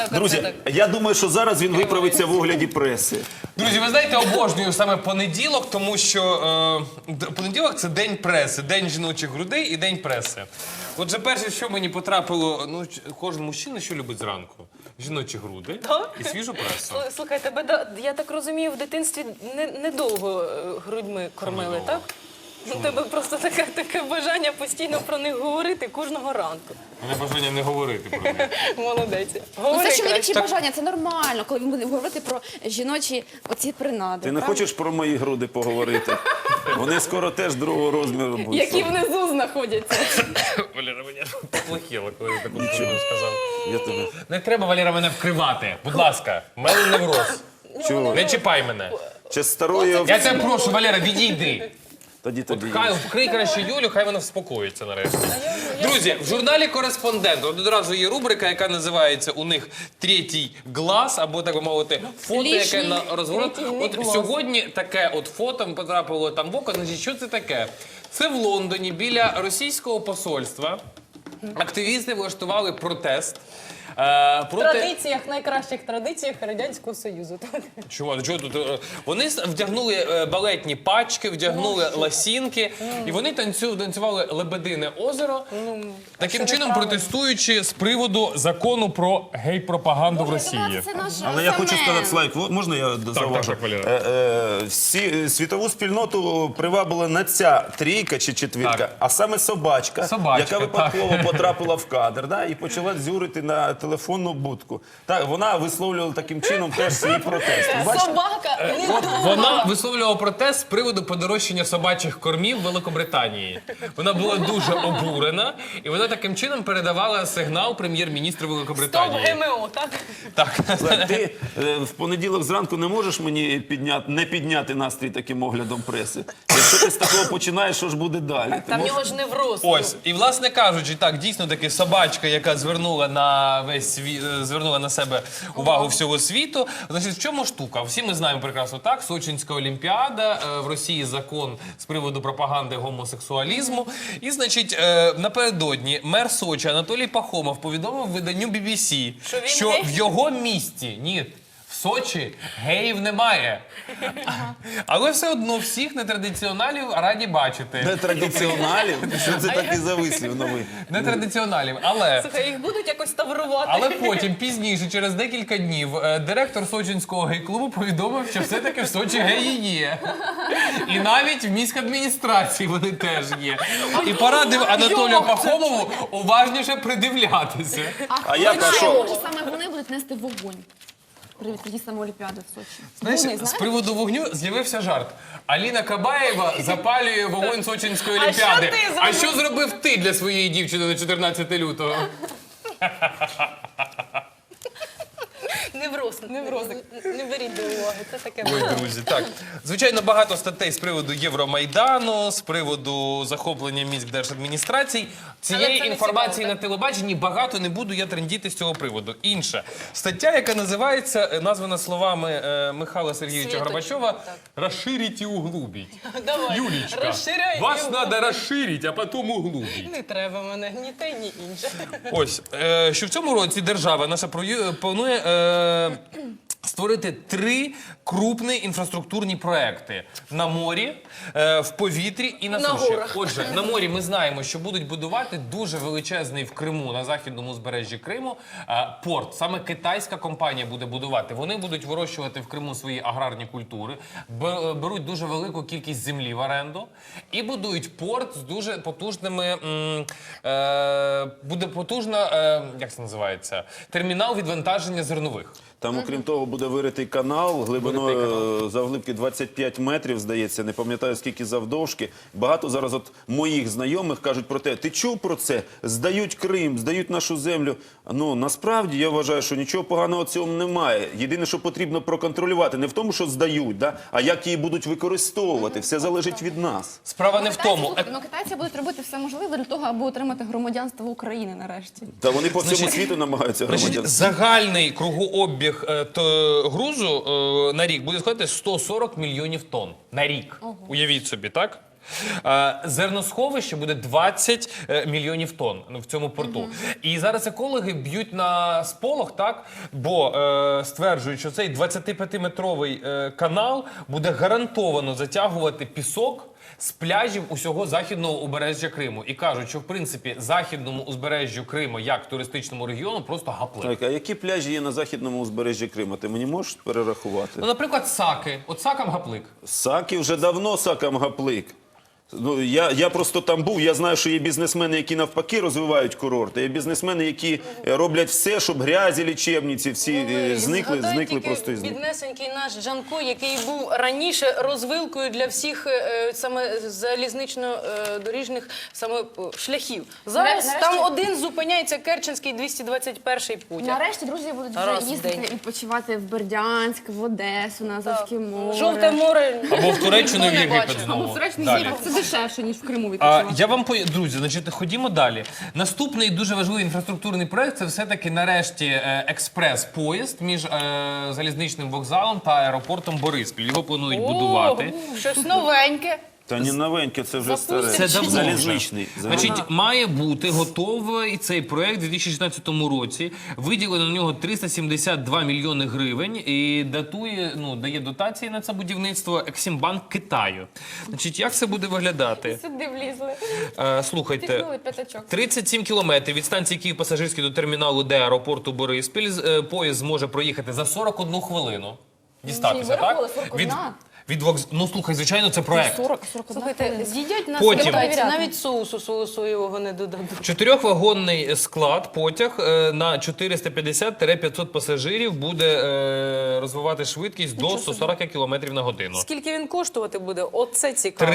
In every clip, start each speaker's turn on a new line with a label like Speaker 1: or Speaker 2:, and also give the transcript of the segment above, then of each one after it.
Speaker 1: Друзі, я думаю, що зараз він виправиться в огляді преси.
Speaker 2: Друзі, ви знаєте, обожнюю саме понеділок, тому що понеділок – це день преси, день жіночих грудей і день преси. Отже, перше, що мені потрапило, ну, кожен мужчина що любить зранку? Жіночі груди і свіжу пресу.
Speaker 3: Слухай, тебе, я так розумію, в дитинстві недовго грудьми кормили, так? У тебе просто таке бажання постійно про них говорити кожного ранку.
Speaker 2: Мене бажання не говорити про них.
Speaker 3: Молодець.
Speaker 4: Ну,
Speaker 3: Говори
Speaker 4: це чоловічі
Speaker 3: краще.
Speaker 4: бажання, це нормально, коли він буде говорити про жіночі оці принади.
Speaker 1: Ти не
Speaker 4: правда?
Speaker 1: хочеш про мої груди поговорити? Вони скоро теж другого розміру будуть.
Speaker 4: Які внизу знаходяться.
Speaker 2: Валера, мені плохіло, коли я таку фразу сказав.
Speaker 1: Я тебе...
Speaker 2: Не треба, Валера, мене вкривати. Будь ласка, в мене невроз.
Speaker 1: Чого?
Speaker 2: Не чіпай мене.
Speaker 1: Чи старої
Speaker 2: Я
Speaker 1: овці?
Speaker 2: тебе прошу, Валера, відійди.
Speaker 1: Тоді тобі.
Speaker 2: Хай вкрий краще Юлю, хай вона вспокоїться нарешті. Друзі, в журналі «Кореспондент» одразу є рубрика, яка називається у них «Третій глаз», або, так би мовити, фото, яке на розворот. От сьогодні таке от фото потрапило там в око. Значить, що це таке? Це в Лондоні біля російського посольства активісти влаштували протест.
Speaker 3: В найкращих традиціях Радянського Союзу.
Speaker 2: Чого тут? Вони вдягнули балетні пачки, вдягнули ласінки, і вони танцювали «Лебедине озеро», таким чином протестуючи з приводу закону про гей-пропаганду в Росії.
Speaker 1: Але я хочу сказати, Слайк, можна я зауважу?
Speaker 2: так, Валера.
Speaker 1: Світову спільноту привабила не ця трійка чи четвірка,
Speaker 2: Так.
Speaker 1: а саме собачка,
Speaker 2: Собачка,
Speaker 1: яка випадково потрапила в кадр, да, і почала дзюрити на телефонну будку. Так, вона висловлювала таким чином теж свій протест. Бачите?
Speaker 3: Собака
Speaker 2: Вона висловлювала протест з приводу подорожчання собачих кормів в Великобританії. Вона була дуже обурена, і вона таким чином передавала сигнал прем'єр-міністру
Speaker 3: Стоп
Speaker 2: Великобританії.
Speaker 3: ГМО, так?
Speaker 2: Так.
Speaker 1: Слайк, ти в понеділок зранку не можеш мені не підняти настрій таким оглядом преси? Якщо ти з такого починаєш, що ж буде далі? Ти
Speaker 3: Там в
Speaker 1: можеш-
Speaker 3: нього ж невроз.
Speaker 2: Ось, і власне кажучи, так, дійсно таки собачка, яка звернула на весь звернула на себе увагу всього світу. Значить, в чому штука? Всі ми знаємо прекрасно так, Сочинська олімпіада, в Росії закон з приводу пропаганди гомосексуалізму. І, значить, напередодні мер Сочі Анатолій Пахомов повідомив виданню BBC,
Speaker 3: Що він
Speaker 2: що
Speaker 3: гей?
Speaker 2: в його місті, ні, в Сочі геїв немає. Але все одно всіх нетрадиціоналів раді бачити.
Speaker 1: Нетрадиціоналів? Що це такий за вислів новий?
Speaker 2: Нетрадиціоналів, але...
Speaker 3: Слухай, їх будуть якось таврувати.
Speaker 2: Але потім, пізніше, через декілька днів, директор Сочинського гей-клубу повідомив, що все-таки в Сочі геї є. І навіть в міській адміністрації вони теж є. І порадив Анатолію Пахомову уважніше придивлятися.
Speaker 1: А я
Speaker 4: Хоча,
Speaker 1: пішов.
Speaker 4: може, саме вони будуть нести вогонь при відкритті саме Олімпіади в Сочі.
Speaker 2: Знаєш,
Speaker 4: Вони,
Speaker 2: з
Speaker 4: знаєш?
Speaker 2: приводу вогню з'явився жарт. Аліна Кабаєва запалює вогонь Сочинської олімпіади.
Speaker 3: ти зробив?
Speaker 2: А що зробив ти для своєї дівчини на 14 лютого?
Speaker 3: Невроз. Не беріть до уваги, це таке.
Speaker 2: Ой, друзі, так. Звичайно, багато статей з приводу Євромайдану, з приводу захоплення міськ держадміністрацій. Цієї
Speaker 3: Але це не
Speaker 2: інформації
Speaker 3: цікаво,
Speaker 2: на телебаченні багато не буду я трендіти з цього приводу. Інша стаття, яка називається, названа словами Михайла Сергійовича
Speaker 3: Світочка,
Speaker 2: Горбачова,
Speaker 3: так.
Speaker 2: «Розширіть і углубіть».
Speaker 3: Давай,
Speaker 2: Юлічка,
Speaker 3: розширяй
Speaker 2: вас
Speaker 3: і
Speaker 2: треба розширити, а потім углубіть.
Speaker 3: Не треба мене ні те, ні інше.
Speaker 2: Ось, що в цьому році держава наша планує створити 3 крупні інфраструктурні проекти на морі, в повітрі і на
Speaker 3: На
Speaker 2: суші.
Speaker 3: горах.
Speaker 2: Отже, на морі ми знаємо, що будуть будувати дуже величезний в Криму, на західному узбережжі Криму, порт. Саме китайська компанія буде будувати. Вони будуть вирощувати в Криму свої аграрні культури, беруть дуже велику кількість землі в оренду і будують порт з дуже потужними, буде потужна, як це називається, термінал відвантаження зернових.
Speaker 1: Там, окрім того, буде виритий канал глибиною завглибки 25 метрів, здається, не пам'ятаю, скільки завдовжки. Багато зараз от моїх знайомих кажуть про те, ти чув про це? Здають Крим, здають нашу землю. Ну, насправді, я вважаю, що нічого поганого в цьому немає. Єдине, що потрібно проконтролювати, не в тому, що здають, да? А як її будуть використовувати. Все залежить від нас.
Speaker 2: Справа не в тому.
Speaker 4: Китайці будуть робити все можливе для того, аби отримати громадянство України нарешті.
Speaker 1: Та вони по всьому світу намагаються
Speaker 2: Значить,
Speaker 1: громадянство.
Speaker 2: загальний кругообіг грузу на рік буде складати 140 мільйонів тонн. На рік. Уявіть собі, так? Зерносховище буде 20 мільйонів тонн в цьому порту. І зараз екологи б'ють на сполох, так? Бо стверджують, що цей 25-метровий канал буде гарантовано затягувати пісок з пляжів усього західного узбережжя Криму. І кажуть, що в принципі західному узбережжю Криму, як туристичному регіону, просто гаплик.
Speaker 1: Так, а які пляжі є на західному узбережжі Криму? Ти мені можеш перерахувати?
Speaker 2: Ну, наприклад, Саки. От Сакам гаплик.
Speaker 1: Саки вже давно сакам гаплик. Ну, я просто там був, я знаю, що є бізнесмени, які навпаки розвивають курорти, є бізнесмени, які роблять все, щоб грязі лічебниці всі зникли просто із них.
Speaker 3: Біднесенький наш Джанко, який був раніше розвилкою для всіх саме залізнично-доріжних саме шляхів. Зараз
Speaker 4: Нарешті-
Speaker 3: там один зупиняється Керченський 221 потяг.
Speaker 4: Нарешті друзі будуть
Speaker 3: Раз
Speaker 4: вже
Speaker 3: в
Speaker 4: їздити
Speaker 3: день.
Speaker 4: відпочивати в Бердянськ, в Одесу, на Азовське море.
Speaker 3: Жовте море.
Speaker 2: Або в Туреччину, в
Speaker 3: Ніхто не
Speaker 2: Єгипет
Speaker 3: бачив.
Speaker 2: знову.
Speaker 4: Або в Туреччині
Speaker 2: Далі.
Speaker 4: Європі. Це дешевше, ніж в Криму відпочивати.
Speaker 2: Я вам друзі, значить, ходімо далі. Наступний дуже важливий інфраструктурний проект – це все-таки нарешті експрес-поїзд між залізничним вокзалом та аеропортом Бориспіль. Його планують будувати.
Speaker 3: О, щось новеньке.
Speaker 1: Та не новеньке, це вже старе.
Speaker 3: Запустять
Speaker 2: Це давно
Speaker 1: залізничний.
Speaker 2: Значить, має бути готовий цей проект у 2016 році. Виділено на нього 372 мільйони гривень і дає дотації на це будівництво Ексімбанк Китаю. Значить, як це буде виглядати?
Speaker 4: Сюди влізли.
Speaker 2: Слухайте,
Speaker 4: Тихнули п'ятачок.
Speaker 2: 37 кілометрів від станції Київ-Пасажирський до терміналу Д аеропорту Бориспіль. Поїзд зможе проїхати за 41 хвилину. Дістатися,
Speaker 4: Ви рахували,
Speaker 2: так?
Speaker 4: 41?
Speaker 2: Ну, слухай, звичайно, це проект.
Speaker 4: 41
Speaker 3: Слухайте,
Speaker 4: хвилина.
Speaker 3: з'їдять нас
Speaker 2: Потім.
Speaker 3: китайці, навіть соусу свого соєвого не додадуть.
Speaker 2: 4-вагонний склад потяг на 450-500 пасажирів буде розвивати швидкість до 140 км на годину.
Speaker 3: Скільки він коштувати буде? Оце цікаво.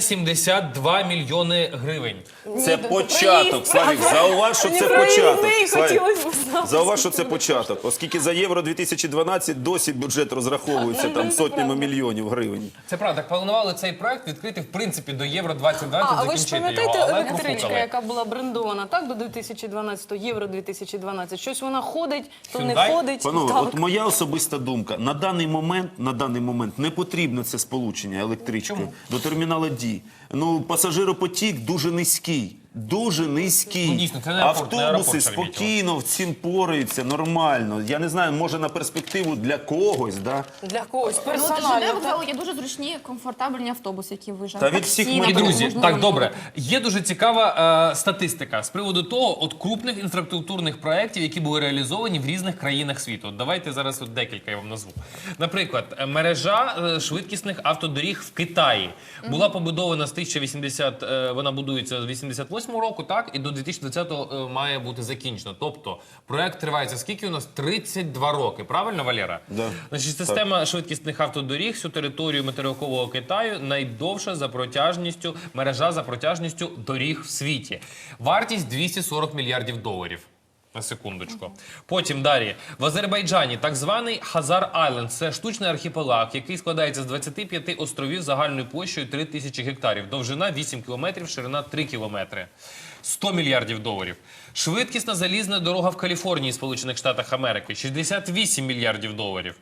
Speaker 2: 372 мільйони гривень.
Speaker 1: Це початок, Славік, зауваж, що це початок. Славік,
Speaker 3: Хотілося б знати.
Speaker 1: зауваж, що це початок. Оскільки за Євро 2012 досі бюджет розраховується там сотнями мільйонів гривень.
Speaker 2: Це правда, так планували цей проект відкрити, в принципі, до Євро 2020,
Speaker 3: А ви ж
Speaker 2: закінчити його,
Speaker 3: пам'ятаєте
Speaker 2: але
Speaker 3: електричка,
Speaker 2: профукали.
Speaker 3: яка була брендована, так, до 2012, Євро 2012? Щось вона ходить, то не
Speaker 2: Hyundai?
Speaker 3: ходить.
Speaker 1: Панове,
Speaker 3: Так.
Speaker 1: от моя особиста думка. На даний момент не потрібно це сполучення електричкою до терміналу Ді. Ну, пасажиропотік дуже низький. Дуже низький.
Speaker 2: Ну, дійсно, це не аеропорт, не
Speaker 1: Автобуси
Speaker 2: аеропорт Шереметьєво.
Speaker 1: спокійно в цим пораються, нормально. Я не знаю, може на перспективу для когось, да?
Speaker 3: Для когось
Speaker 4: Ну, от
Speaker 3: персонально.
Speaker 4: ЖД вокзалу є дуже зручні, комфортабельні автобуси, які виїжджають.
Speaker 1: Та від
Speaker 4: Таксі,
Speaker 1: всіх
Speaker 2: І,
Speaker 4: наприклад,
Speaker 2: друзі,
Speaker 4: можна
Speaker 2: так,
Speaker 4: замовити.
Speaker 2: добре. Є дуже цікава статистика з приводу того, от крупних інфраструктурних проєктів, які були реалізовані в різних країнах світу. От давайте зараз от декілька я вам назву. Наприклад, мережа швидкісних автодоріг в Китаї була побудована з 1080, вона будується з 88 року, так, і до 2020 має бути закінчено. Тобто, проєкт тривається скільки у нас? 32 роки, правильно, Валера?
Speaker 1: Да.
Speaker 2: Значить, система швидкісних автодоріг всю територію материкового Китаю найдовша за протяжністю, мережа за протяжністю доріг в світі. Вартість 240 мільярдів доларів. На секундочку. Потім далі. В Азербайджані так званий Хазар-Айленд. Це штучний архіпелаг, який складається з 25 островів загальною площею 3000 гектарів. Довжина 8 кілометрів, ширина 3 кілометри. 100 мільярдів доларів. Швидкісна залізна дорога в Каліфорнії, Сполучених Штатах Америки. 68 мільярдів доларів.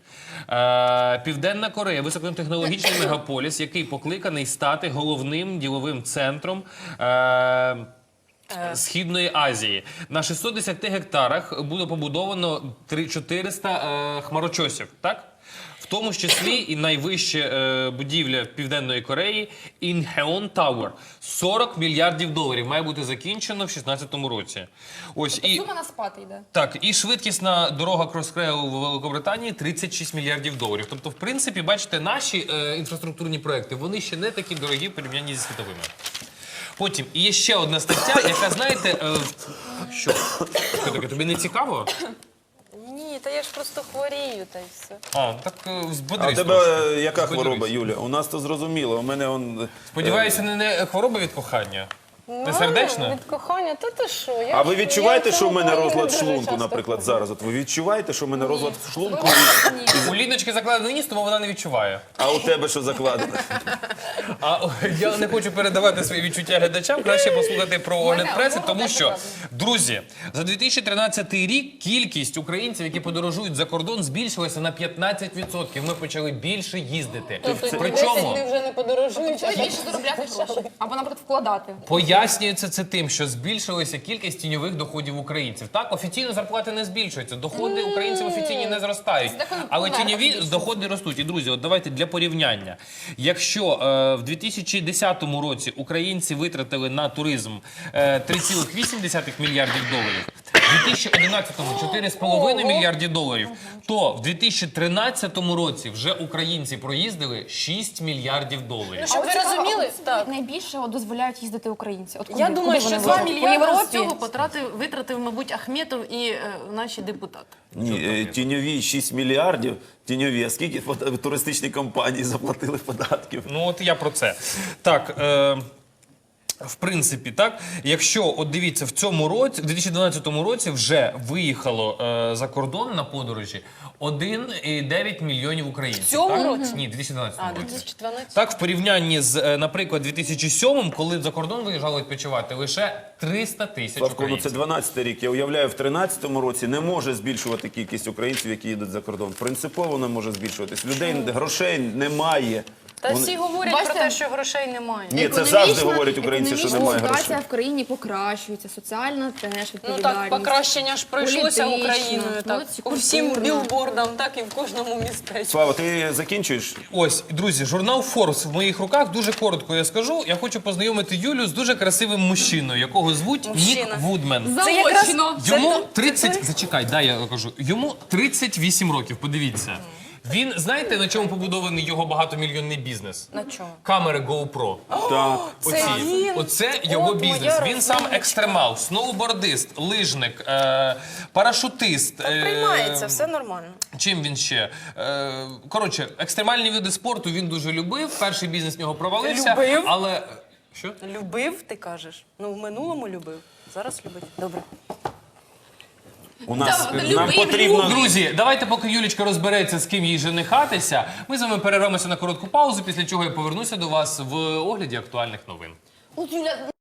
Speaker 2: Південна Корея. Високотехнологічний мегаполіс, який покликаний стати головним діловим центром Східної Азії. На 610 гектарах буде побудовано 400 хмарочосів, так? В тому ж числі і найвища будівля Південної Кореї Інхеон Тауер. 40 мільярдів доларів має бути закінчено в 2016 році. Ось і
Speaker 4: Сума на спад йде.
Speaker 2: так, і швидкісна дорога Кросрейл в Великобританії 36 мільярдів доларів. Тобто, в принципі, бачите, наші інфраструктурні проекти, вони ще не такі дорогі в порівнянні зі світовими. Потім, і є ще одна стаття, яка, знаєте, що таке, тобі не цікаво?
Speaker 3: Ні, та я ж просто хворію, та й все.
Speaker 2: Так
Speaker 1: А у
Speaker 2: збодрись
Speaker 1: тебе
Speaker 2: трошки.
Speaker 1: яка
Speaker 2: Збодрись.
Speaker 1: хвороба, Юля? У нас то зрозуміло. У мене он...
Speaker 2: Сподіваюся, не хвороба від кохання? Ти сердечна?
Speaker 3: Від кохання, та ти що?
Speaker 1: А ви відчуваєте, що в мене розлад
Speaker 3: дуже
Speaker 1: шлунку,
Speaker 3: часто
Speaker 1: наприклад, зараз? От ви відчуваєте, що в мене розлад шлунку,
Speaker 2: У Ліночки закладений ніс, тому вона не відчуває.
Speaker 1: а у тебе що закладено?
Speaker 2: А я не хочу передавати свої відчуття глядачам, краще послухати про огляд преси, тому що, друзі, за 2013 рік кількість українців, які подорожують за кордон, збільшилася на 15%. Ми почали більше їздити. Причому
Speaker 3: вже не подорожуєш.
Speaker 4: Почали більше заробляти гроші. Або, наприклад, вкладати.
Speaker 2: пояснюється це тим, що збільшилася кількість тіньових доходів українців. Так, офіційно зарплати не збільшуються, доходи українців офіційні не зростають, але тіньові доходи ростуть. І, друзі, от давайте для порівняння. Якщо в 2010 році українці витратили на туризм 3,8 мільярдів доларів, в 2011-му 4,5 мільярдів доларів, то в 2013 році вже українці проїздили 6 мільярдів доларів.
Speaker 3: Щоб ви розуміли, так.
Speaker 4: Найбільше дозволяють їздити українці. От
Speaker 3: Я думаю,
Speaker 4: вони
Speaker 3: що
Speaker 4: возять?
Speaker 3: 2
Speaker 4: По
Speaker 3: мільярди
Speaker 4: Європі?
Speaker 5: З цього витратив, мабуть, Ахметов і наші депутати.
Speaker 1: Ні, тіньові 6 мільярдів, тіньові, а скільки туристичні компанії заплатили податків?
Speaker 2: Ну от я про це. Так, в принципі, так, якщо, от дивіться, в цьому році, в 2012 році вже виїхало за кордон на подорожі 1,9 мільйонів українців.
Speaker 3: В цьому
Speaker 2: так?
Speaker 3: році?
Speaker 2: Ні, 2012
Speaker 3: А,
Speaker 2: році.
Speaker 3: 2012.
Speaker 2: Так, в порівнянні з, наприклад, 2007, коли за кордон виїжджали відпочивати, лише 300 тисяч
Speaker 1: Славко, ну це
Speaker 2: українців.
Speaker 1: 12-й рік. Я уявляю, в 13-му році не може збільшувати кількість українців, які їдуть за кордон. Принципово не може збільшуватись. Людей, грошей немає.
Speaker 3: Та
Speaker 1: Вони-
Speaker 3: всі говорять
Speaker 4: Бачите?
Speaker 3: про те, що грошей немає.
Speaker 1: Ні, це
Speaker 4: Економічна-
Speaker 1: завжди говорять українці, що немає
Speaker 4: економічна
Speaker 1: грошей.
Speaker 4: ситуація в країні покращується, соціальна теж
Speaker 3: Ну
Speaker 4: відповідальність.
Speaker 3: так, покращення ж пройшлося
Speaker 4: політична,
Speaker 3: Україною, так,
Speaker 4: ну,
Speaker 3: по всім
Speaker 4: культурна.
Speaker 3: білбордам, так і в кожному містечку.
Speaker 1: Слава, ти закінчуєш?
Speaker 2: Ось, друзі, журнал Forbes в моїх руках. Дуже коротко я скажу. Я хочу познайомити Юлю з дуже красивим мужчиною, якого звуть
Speaker 3: Мужчина.
Speaker 2: Нік Вудмен.
Speaker 3: Це якраз
Speaker 2: Йому 30, зачекай, дай я кажу. Йому 38 років, подивіться. Він, знаєте, на чому побудований його багатомільйонний бізнес?
Speaker 3: На чому?
Speaker 2: Камери GoPro.
Speaker 1: Так.
Speaker 3: Це він?
Speaker 2: Оце його
Speaker 3: От моя
Speaker 2: бізнес. Він сам
Speaker 3: розумничка.
Speaker 2: екстремал, сноубордист, лижник, парашутист.
Speaker 3: Приймається, все нормально.
Speaker 2: Чим він ще? Коротше, екстремальні види спорту він дуже любив. Перший бізнес в нього провалився.
Speaker 3: Любив?
Speaker 2: Але що?
Speaker 3: Любив, ти кажеш? Ну, в минулому любив. Зараз любить. Добре.
Speaker 1: У нас нам
Speaker 5: любий
Speaker 1: потрібно.
Speaker 2: Друзі, давайте, поки Юлічка розбереться, з ким їй женихатися, ми з вами перервемося на коротку паузу, після чого я повернуся до вас в огляді актуальних новин.
Speaker 4: От, Юля,